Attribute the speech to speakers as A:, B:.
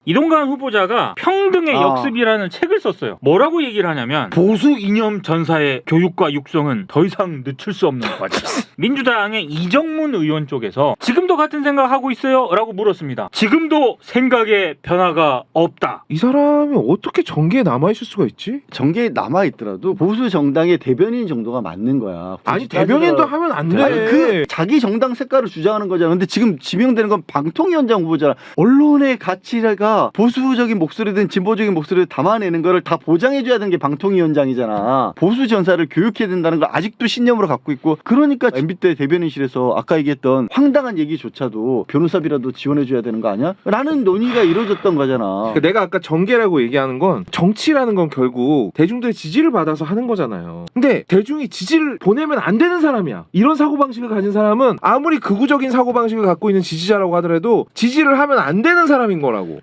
A: 이동관 후보자가 평등의 역습이라는 책을 썼어요. 뭐라고 얘기를 하냐면 보수 이념 전사의 교육과 육성은 더 이상 늦출 수 없는 과제다. 민주당의 이정문 의원 쪽에서 지금도 같은 생각하고 있어요? 라고 물었습니다. 지금도 생각에 변화가 없다.
B: 이 사람이 어떻게 정계에 남아있을 수가 있지?
C: 정계에 남아있더라도 보수 정당의 대변인 정도가 맞는 거야.
B: 아니 대변인도 하면 안 돼.
C: 아니, 그 자기 정당 색깔을 주장하는 거잖아. 근데 지금 지명되는 건 방통위원장 후보잖아. 언론의 가치가 보수적인 목소리든 진보적인 목소리를 담아내는 거를 다 보장해줘야 되는 게 방통위원장이잖아. 보수 전사를 교육해야 된다는 걸 아직도 신념으로 갖고 있고, 그러니까 MB 때 대변인실에서 아까 얘기했던 황당한 얘기조차도 변호사비라도 지원해줘야 되는 거 아니야? 라는 논의가 이루어졌던 거잖아.
B: 그러니까 내가 아까 정계라고 얘기하는 건 정치라는 건 결국 대중들의 지지를 받아서 하는 거잖아요. 근데 대중이 지지를 보내면 안 되는 사람이야. 이런 사고방식을 가진 사람은 아무리 극우적인 사고방식을 갖고 있는 지지자라고 하더라도 지지를 하면 안 되는 사람인 거라고.